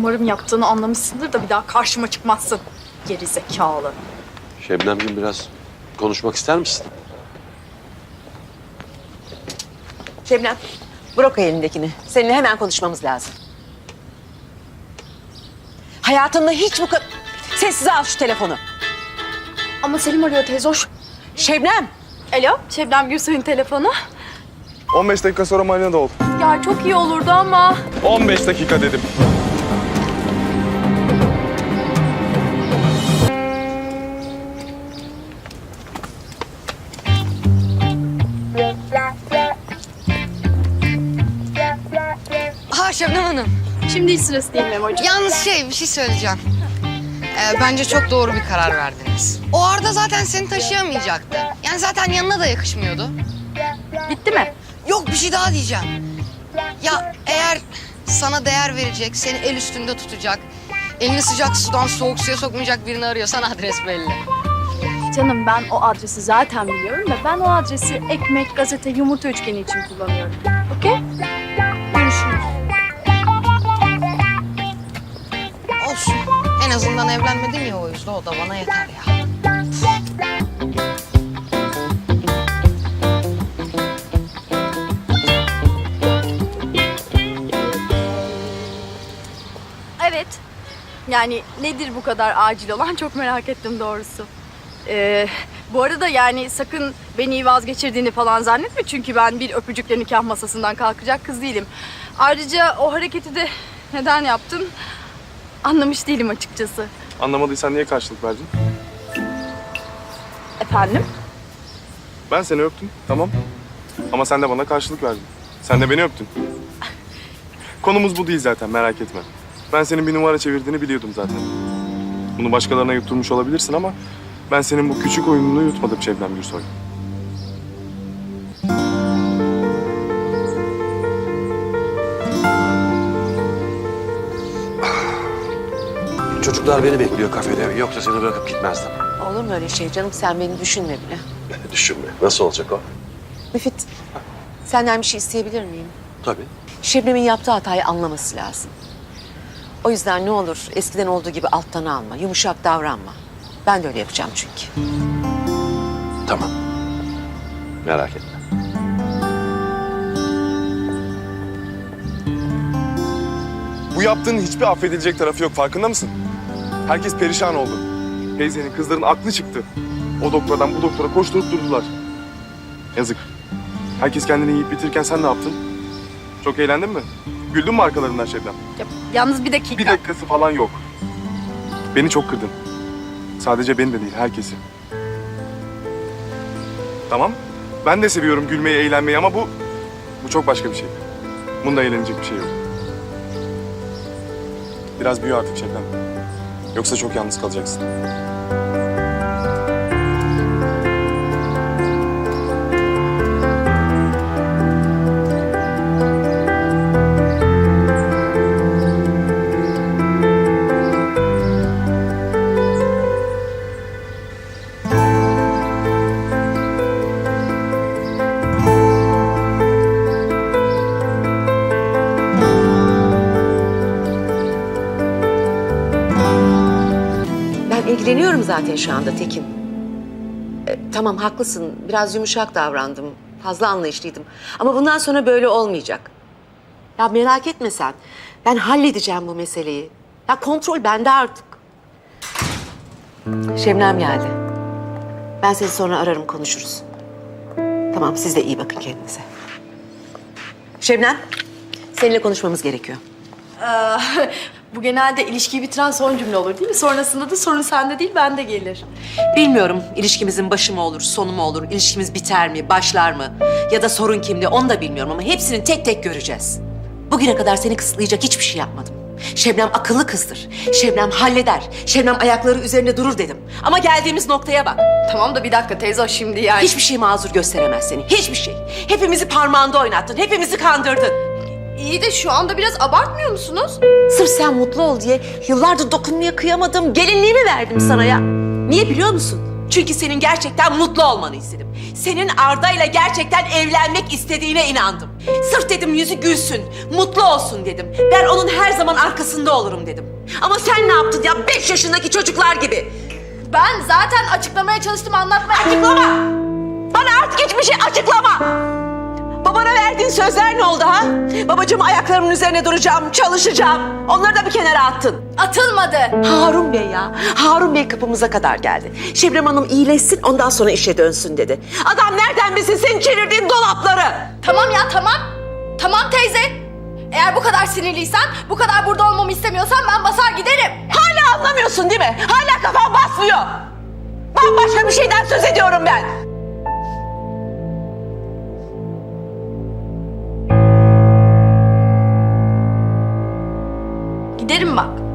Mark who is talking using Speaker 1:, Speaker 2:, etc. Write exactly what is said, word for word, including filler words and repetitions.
Speaker 1: Umarım yaptığını anlamışsındır da bir daha karşıma çıkmazsın. Geri zekalı.
Speaker 2: Şebnemciğim biraz konuşmak ister misin?
Speaker 3: Şebnem, bırak o elindekini. Seninle hemen konuşmamız lazım. Hayatımda hiç bu kadar... Sessize al şu telefonu.
Speaker 1: Ama Selim arıyor teyze hoş.
Speaker 3: Şebnem!
Speaker 1: Alo, Şebnem Gürsoy'un telefonu.
Speaker 4: on beş dakika sonra marinada ol.
Speaker 1: Ya çok iyi olurdu ama.
Speaker 4: on beş dakika dedim.
Speaker 5: Ha Şebnem Hanım.
Speaker 1: Şimdi hiç sırası değil Memo'cuğum.
Speaker 5: Yalnız şey bir şey söyleyeceğim. Ee, bence çok doğru bir karar verdiniz. O Arda zaten seni taşıyamayacaktı. Yani zaten yanına da yakışmıyordu.
Speaker 1: Bitti mi?
Speaker 5: Yok bir şey daha diyeceğim. Ya eğer sana değer verecek, seni el üstünde tutacak, elini sıcak sudan soğuk suya sokmayacak birini arıyorsan adres belli.
Speaker 1: Canım ben o adresi zaten biliyorum da ben o adresi ekmek, gazete, yumurta üçgeni için kullanıyorum. Okey? Görüşürüz.
Speaker 5: Olsun. En azından evlenmedin ya o yüzden o da bana yeter ya.
Speaker 1: Evet. Yani nedir bu kadar acil olan çok merak ettim doğrusu. Ee, bu arada yani sakın beni vazgeçirdiğini falan zannetme. Çünkü ben bir öpücükle nikah masasından kalkacak kız değilim. Ayrıca o hareketi de neden yaptın anlamış değilim açıkçası.
Speaker 4: Anlamadıysan niye karşılık verdin?
Speaker 1: Efendim?
Speaker 4: Ben seni öptüm, tamam. Ama sen de bana karşılık verdin. Sen de beni öptün. Konumuz bu değil zaten, merak etme. Ben senin bir numara çevirdiğini biliyordum zaten. Bunu başkalarına yutturmuş olabilirsin ama... ben senin bu küçük oyununu yutmadım Şebnem Gürsoy.
Speaker 2: Çocuklar beni bekliyor kafede. Yoksa seni bırakıp gitmezdim.
Speaker 3: Olur mu öyle şey canım? Sen beni düşünme bile.
Speaker 2: Düşünme. Nasıl olacak o?
Speaker 3: Müfit, senden bir şey isteyebilir miyim?
Speaker 2: Tabii.
Speaker 3: Şebnem'in yaptığı hatayı anlaması lazım. O yüzden ne olur eskiden olduğu gibi alttan alma, yumuşak davranma. Ben de öyle yapacağım çünkü.
Speaker 2: Tamam. Merak etme.
Speaker 4: Bu yaptığın hiçbir affedilecek tarafı yok, farkında mısın? Herkes perişan oldu. Teyzenin, kızların aklı çıktı. O doktordan bu doktora koşturup durdular. Yazık. Herkes kendini yiyip bitirirken sen ne yaptın? Çok eğlendin mi? Güldün mü arkalarından Şebnem?
Speaker 1: Ya, yalnız bir dakika.
Speaker 4: Bir dakikası falan yok. Beni çok kırdın. Sadece beni de değil, herkesi. Tamam. Ben de seviyorum gülmeyi, eğlenmeyi ama bu... bu çok başka bir şey. Bunda eğlenecek bir şey yok. Biraz büyü artık Şebnem. Yoksa çok yalnız kalacaksın.
Speaker 3: Ben ilgileniyorum zaten şu anda Tekin. E, tamam haklısın, biraz yumuşak davrandım, fazla anlayışlıydım. Ama bundan sonra böyle olmayacak. Ya merak etme sen, ben halledeceğim bu meseleyi. Ya kontrol bende artık. Şebnem geldi. Ben seni sonra ararım, konuşuruz. Tamam, siz de iyi bakın kendinize. Şebnem, seninle konuşmamız gerekiyor.
Speaker 1: Bu genelde ilişkiyi bitiren son cümle olur değil mi? Sonrasında da sorun sende değil bende gelir.
Speaker 3: Bilmiyorum ilişkimizin başı mı olur, sonu mu olur, ilişkimiz biter mi, başlar mı? Ya da sorun kimde onu da bilmiyorum ama hepsini tek tek göreceğiz. Bugüne kadar seni kısıtlayacak hiçbir şey yapmadım. Şebnem akıllı kızdır. Şebnem halleder. Şebnem ayakları üzerinde durur dedim. Ama geldiğimiz noktaya bak.
Speaker 1: Tamam da bir dakika teyze o şimdi yani.
Speaker 3: Hiçbir şey mazur gösteremez seni. Hiçbir şey. Hepimizi parmağında oynattın. Hepimizi kandırdın.
Speaker 1: İyi de şu anda biraz abartmıyor musunuz?
Speaker 3: Sırf sen mutlu ol diye yıllardır dokunmaya kıyamadım. Gelinliğimi verdim sana ya. Niye biliyor musun? Çünkü senin gerçekten mutlu olmanı istedim. Senin Arda'yla gerçekten evlenmek istediğine inandım. Sırf dedim yüzü gülsün, mutlu olsun dedim. Ben onun her zaman arkasında olurum dedim. Ama sen ne yaptın ya beş yaşındaki çocuklar gibi?
Speaker 1: Ben zaten açıklamaya çalıştım, anlatmaya...
Speaker 3: Açıklama! Bana artık hiçbir şey açıklama! Babana verdiğin sözler ne oldu ha? Babacığım ayaklarımın üzerine duracağım, çalışacağım. Onları da bir kenara attın.
Speaker 1: Atılmadı.
Speaker 3: Harun Bey ya, Harun Bey kapımıza kadar geldi. Şebnem Hanım iyileşsin, ondan sonra işe dönsün dedi. Adam nereden bilsin senin çevirdiğin dolapları?
Speaker 1: Tamam ya, tamam. Tamam teyze. Eğer bu kadar sinirliysen, bu kadar burada olmamı istemiyorsan ben basar giderim.
Speaker 3: Hala anlamıyorsun değil mi? Hala kafan basmıyor. Bambaşka bir şeyden söz ediyorum ben.
Speaker 1: Giderim bak.